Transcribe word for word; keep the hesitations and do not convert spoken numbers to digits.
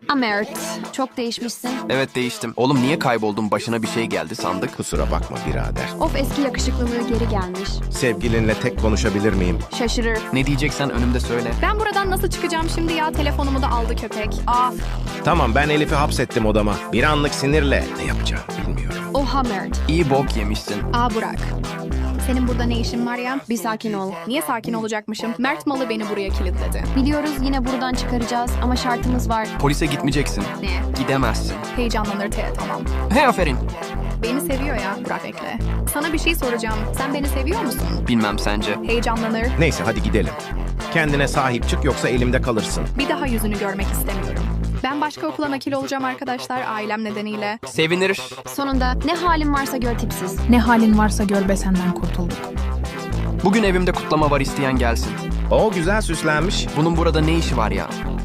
Amert, çok değişmişsin. Evet değiştim. Oğlum niye kayboldun? Başına bir şey geldi sandık. Kusura bakma birader. Of, eski yakışıklılığı geri gelmiş. Sevgilinle tek konuşabilir miyim? Şaşırır. Ne diyeceksen önümde söyle. Ben buradan nasıl çıkacağım şimdi ya? Telefonumu da aldı köpek. Aa, Tamam, ben Elif'i hapsettim odama. Bir anlık sinirle ne yapacağım bilmiyorum. Oha Mert, İyi bok yemişsin. aa Burak. Senin burada ne işin var ya? bir sakin ol. Niye sakin olacakmışım? Mert malı beni buraya kilitledi. Biliyoruz yine buradan çıkaracağız ama şartımız var. Polise gitmeyeceksin. Ne? Gidemezsin. Heyecanlanır te tamam. He aferin. Beni seviyor ya. Burak bekle. Sana bir şey soracağım. Sen beni seviyor musun? Bilmem sence. Heyecanlanır. Neyse hadi gidelim. Kendine sahip çık yoksa elimde kalırsın. Bir daha yüzünü görmek istemiyorum. Ben başka okula nakil olacağım arkadaşlar ailem nedeniyle. Sevinir. Sonunda ne halin varsa gör tipsiz. Ne halin varsa gör be, senden kurtulduk. Bugün evimde kutlama var, isteyen gelsin. O güzel süslenmiş. Bunun burada ne işi var ya?